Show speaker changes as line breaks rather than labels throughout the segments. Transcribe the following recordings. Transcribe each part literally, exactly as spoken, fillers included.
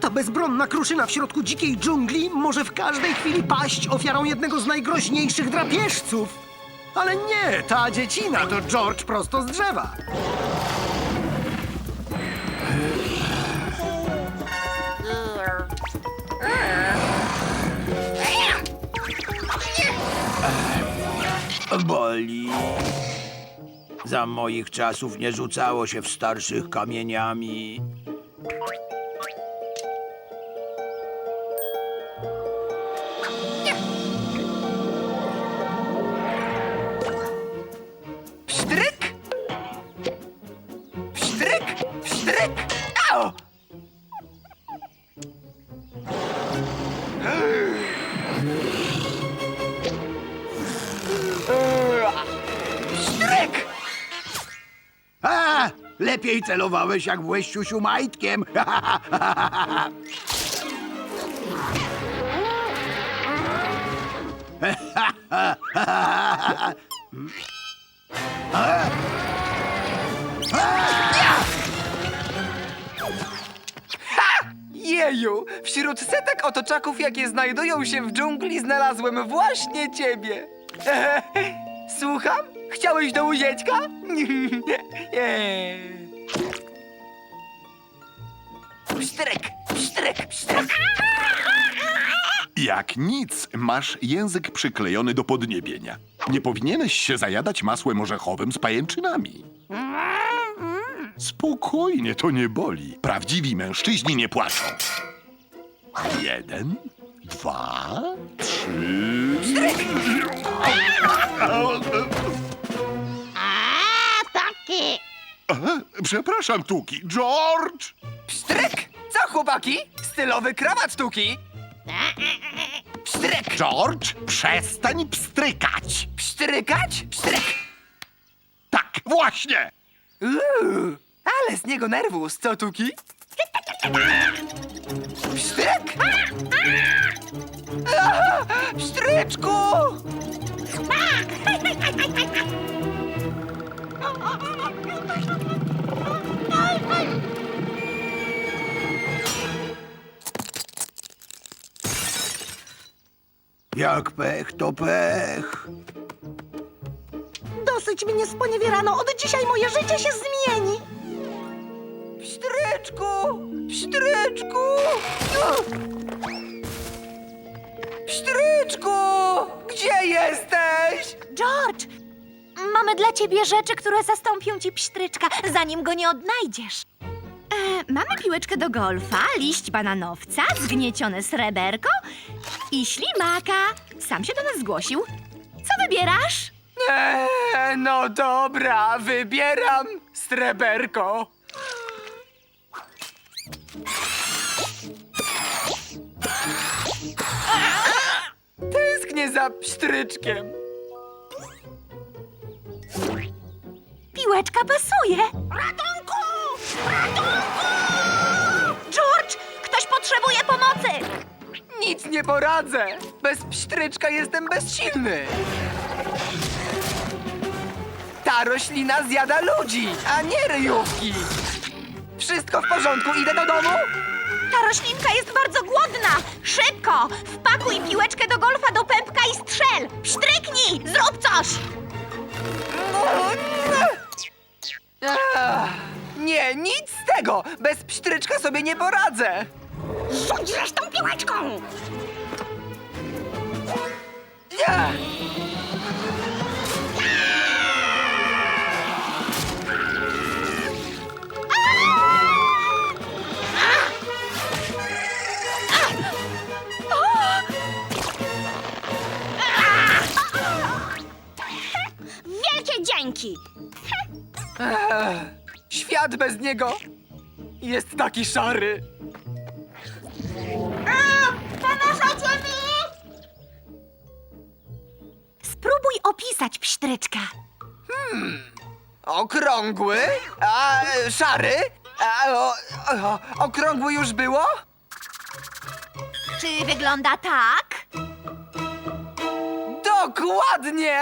Ta bezbronna kruszyna w środku dzikiej dżungli może w każdej chwili paść ofiarą jednego z najgroźniejszych drapieżców. Ale nie, ta dziecina to George prosto z drzewa.
Boli. Za moich czasów nie rzucało się w starszych kamieniami.
Psztryk! Psztryk! Psztryk! Au! Psztryk!
A! Lepiej celowałeś, jak byłeś siusiu majtkiem.
Jeju! Wśród setek otoczaków, jakie znajdują się w dżungli, znalazłem właśnie ciebie. Słucham? Chciałeś do łyzieczka? Nie. Psztryk! Psztryk! Psztryk!
Jak nic, masz język przyklejony do podniebienia. Nie powinieneś się zajadać masłem orzechowym z pajęczynami. Spokojnie, to nie boli. Prawdziwi mężczyźni nie płaczą. Jeden, dwa, trzy... E, Przepraszam, Tuki. George!
Psztryk! Co, chłopaki? Stylowy krawat Tuki! Psztryk!
George, przestań pstrykać!
Psztrykać? Psztryk!
Tak, właśnie!
Uuu, ale z niego nerwus, co Tuki? Psztryk! Aha, psztryczku!
Jak pech, to pech.
Dosyć mnie sponiewierano. Od dzisiaj moje życie się zmieni.
Psztryczku! Psztryczku! O! Psztryczku! Gdzie jesteś?
George, mamy dla ciebie rzeczy, które zastąpią ci psztryczka, zanim go nie odnajdziesz. E, mamy piłeczkę do golfa, liść bananowca, zgniecione sreberko i ślimaka. Sam się do nas zgłosił. Co wybierasz?
Eee, no dobra, wybieram sreberko. Tęsknię za psztryczkiem.
Piłeczka pasuje. Ratunku! Ratunku! George, ktoś potrzebuje pomocy.
Nic nie poradzę. Bez psztryczka jestem bezsilny. Ta roślina zjada ludzi, a nie ryjówki. Wszystko w porządku, idę do domu?
Ta roślinka jest bardzo głodna. Szybko! Wpakuj piłeczkę do golfa do pępka i strzel. Psztryknij! Zrób coś!
Ach, nie, nic z tego. Bez psztryczka sobie nie poradzę.
Rzuć zresztą piłeczką!
Ach.
Wielkie dzięki!
Ech, świat bez niego jest taki szary.
Pomożecie mi! Spróbuj opisać psztryczka.
Okrągły, a e, szary, a o, o, okrągły już było?
Czy wygląda tak?
Dokładnie!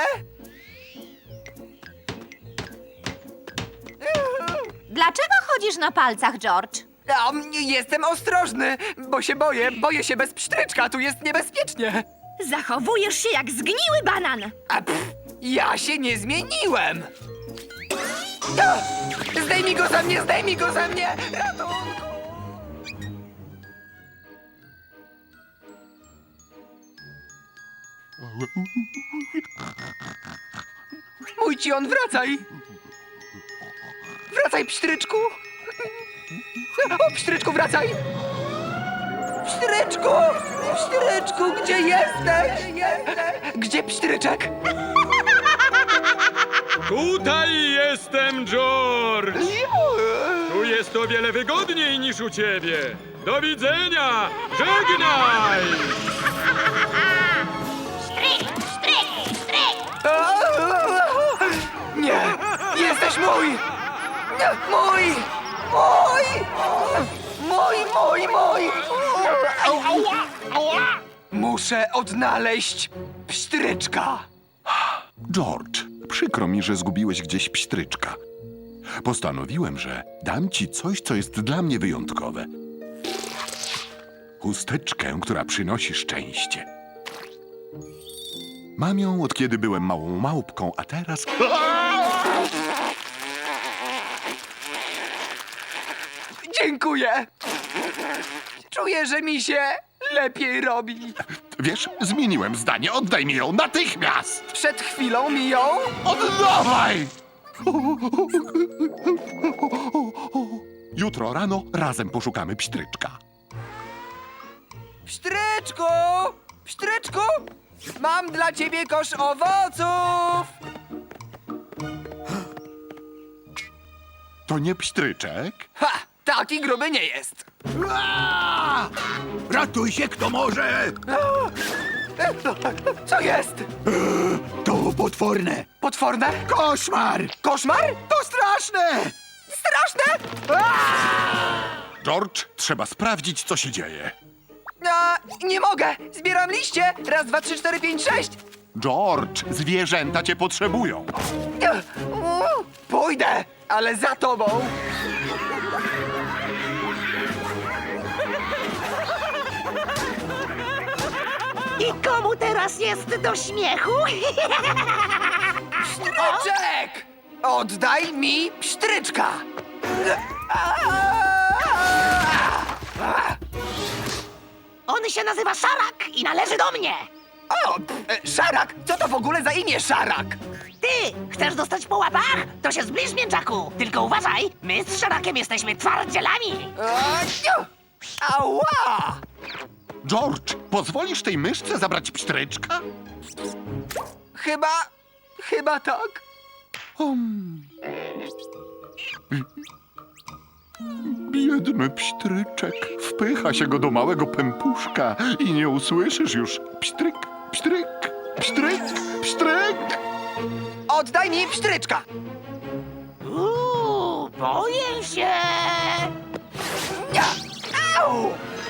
Dlaczego chodzisz na palcach, George?
A, m, jestem ostrożny, bo się boję, boję się bez psztryczka, tu jest niebezpiecznie.
Zachowujesz się jak zgniły banan.
A pff, ja się nie zmieniłem. A, zdejmij go ze mnie, zdejmij go ze mnie! Ratunku! Mój ci on, wracaj! Wracaj, psztryczku! O, psztryczku, wracaj! Psztryczku! Psztryczku, gdzie jesteś? Gdzie psztryczek?
Tutaj jestem, George! Tu jest o wiele wygodniej niż u ciebie. Do widzenia! Żegnaj!
Nie! Jesteś mój! Nie, mój! Mój! Mój, mój, mój! Muszę odnaleźć psztryczka.
George, przykro mi, że zgubiłeś gdzieś psztryczka. Postanowiłem, że dam ci coś, co jest dla mnie wyjątkowe. Chusteczkę, która przynosi szczęście. Mam ją od kiedy byłem małą małpką, a teraz...
Dziękuję. Czuję, że mi się lepiej robi.
Wiesz, zmieniłem zdanie. Oddaj mi ją natychmiast!
Przed chwilą mi ją...
Oddawaj! Jutro rano razem poszukamy psztryczka.
Psztryczku! Psztryczku! Mam dla ciebie kosz owoców!
To nie psztryczek?
Ha! Taki gruby nie jest.
Aaa! Ratuj się, kto może!
Co jest?
To potworne!
Potworne?
Koszmar!
Koszmar?
To straszne!
Straszne?
George, trzeba sprawdzić, co się dzieje.
A, nie mogę! Zbieram liście! Raz, dwa, trzy, cztery, pięć, sześć!
George, zwierzęta cię potrzebują.
Pójdę, ale za tobą!
I komu teraz jest do śmiechu?
Psztryczek! Oddaj mi psztryczka!
On się nazywa Szarak i należy do mnie.
O, e, Szarak! Co to w ogóle za imię Szarak?
Ty, chcesz dostać po łapach? To się zbliż, mięczaku. Tylko uważaj, my z Szarakiem jesteśmy twardzielami.
E, Ała!
George, pozwolisz tej myszce zabrać psztryczka?
Chyba... chyba tak.
Biedny psztryczek. Wpycha się go do małego pępuszka i nie usłyszysz już psztryk, psztryk, psztryk, psztryk.
Oddaj mi psztryczka!
Uuu, boję się.
Nie! Au!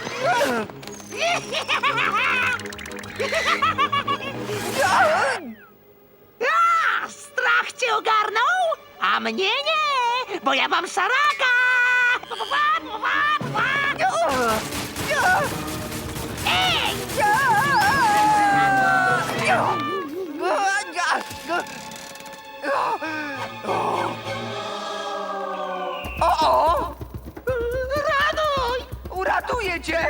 A, strach cię ogarnął? A mnie nie, bo ja mam Szaraka. Ej!
O, o!
Raduj!
Uratuję cię!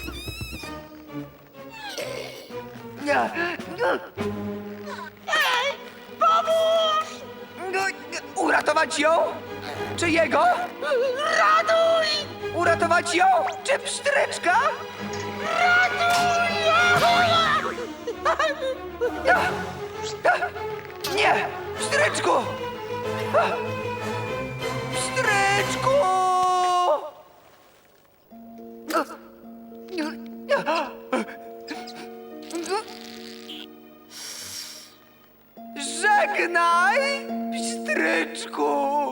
Ej, pomóż!
Uratować ją? Czy jego?
Raduj!
Uratować ją? Czy psztryczka? Nie! Psztryczku! Psztryczku! Żegnaj, psztryczku!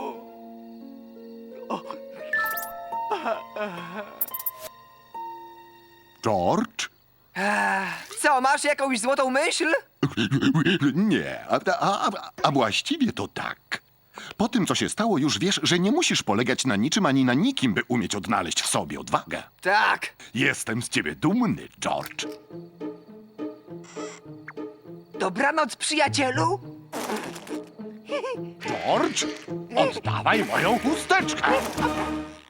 George?
Ech, Co, masz jakąś złotą myśl?
Nie, a, a, a, a właściwie to tak. Po tym, co się stało, już wiesz, że nie musisz polegać na niczym ani na nikim, by umieć odnaleźć w sobie odwagę.
Tak.
Jestem z ciebie dumny, George.
Dobranoc, przyjacielu.
George, oddawaj moją chusteczkę.